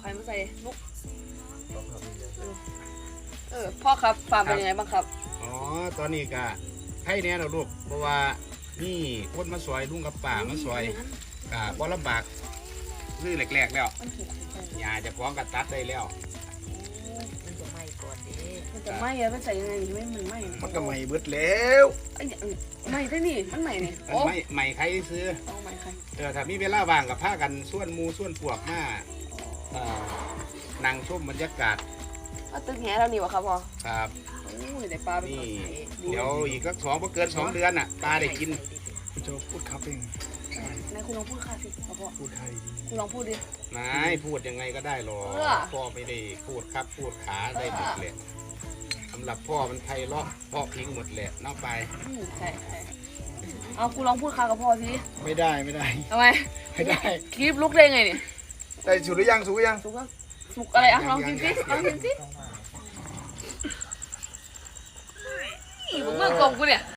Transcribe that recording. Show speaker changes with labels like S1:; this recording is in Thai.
S1: รมาใส่ลูกพ่อครับฟาร์มเป็นยังไงบ้างครับ
S2: อ๋อตอนนี้ก็ให้แน่เราลูกเพราะว่านี่คนมาซอยลุงกับป่ามาซอยบ่ลำบากซื้อแรกๆแล้วยาจะฟ้องกับตัดได้แล้ว
S3: มันจะไหม้ก่อนดิ
S1: มันจะไหม้อะมันใส่ยังไงไม่มันไหม้
S2: มันก็ไหม้เบิดแล้ว
S1: ไหม้ได้นี่มันไหม้นี่
S2: ไหม้ใครซื้อ
S1: ไหม้ใคร
S2: ถ้ามีเวลาว่างกับพากันส่วนมูส่วนพวกมานั่งชมบรรยากาศ
S1: ตึกแหเรานี่วะครับพ่อ
S2: ครับ
S1: แต่ปลาเป็น
S2: นี่เดี๋ยวอีกสัก2เกิน2 เดือนน่ะปลาได้กิน
S4: จะพูดครับเอง
S1: นายคุณลองพูดค่ะสิพ่อ
S4: พูดไทย
S1: คุณลองพูดดิ
S2: นายพูดยังไงก็ได้หรอกพ่อไม่ได้พูดครับพูดขาได้หมดเลยสำหรับพ่อมันไทยเลาะพ่อพิงหมดแหละนอกไป
S1: ใช่เอาคุณลองพูดค่ะกับพ่อสิ
S4: ไม่ได้
S1: ทำไม
S4: ไม่ได้
S1: คลิปลุกได้ไงเนี่ย
S4: ได้สุกหรือยังสุก
S1: อะไรอ่ะลองกินสิมึงเมื่อกลมกูเนี่ย